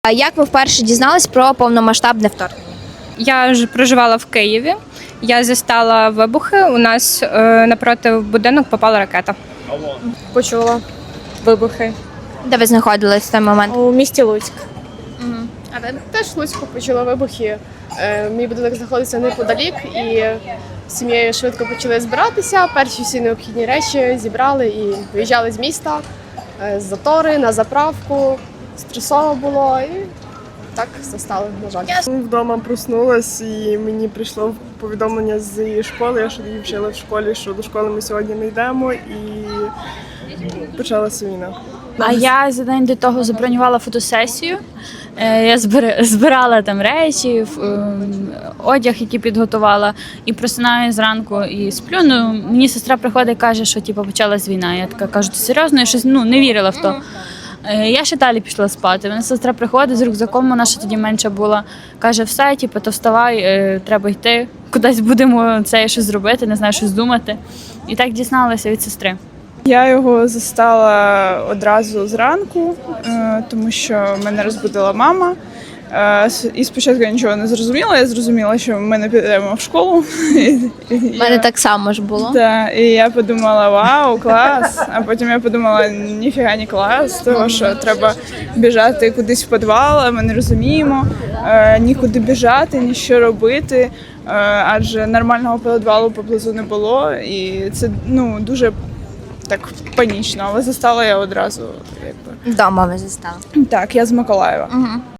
А як ви вперше дізнались про повномасштабне вторгнення? Я ж проживала в Києві. Я застала вибухи. У нас напроти будинок попала ракета. Почула вибухи Де ви знаходились в той момент? у місті Луцьк. А ви? Теж в Луцьку почула вибухи. Мій будинок знаходиться неподалік, і з сім'єю швидко почали збиратися. Перші всі необхідні речі зібрали і виїжджали з міста, з затори, на заправку. Стресово було і так застали, на жаль. Вдома проснулась і мені прийшло повідомлення з школи, я ж тоді вчила в школі, що до школи ми сьогодні не йдемо, і почалася війна. А я за день до того забронювала фотосесію. Я збирала там речі, одяг, який підготувала, і просинаю зранку і сплю. Ну, мені сестра приходить і каже, що типу, почалась війна. Я така кажу, ти серйозно? Я щось не вірила в то. Я ще далі пішла спати. Мене сестра приходить з рюкзаком, вона ще тоді менша була. Каже, все, типу, то вставай, треба йти. Кудись будемо це щось зробити, не знаю, щось думати. І так дізналася від сестри. Я його застала одразу зранку, тому що мене розбудила мама. І спочатку я нічого не зрозуміла, я зрозуміла, що ми не підемо в школу. У мене так само ж було. Так, і я подумала, вау, клас. А потім я подумала, ніфіга не клас, тому що треба біжати кудись в підвал, а ми не розуміємо, нікуди біжати, ні що робити, адже нормального підвалу поблизу не було. І це дуже так панічно, але застала я одразу. Вдома ви застали. Так, я з Миколаєва. Угу.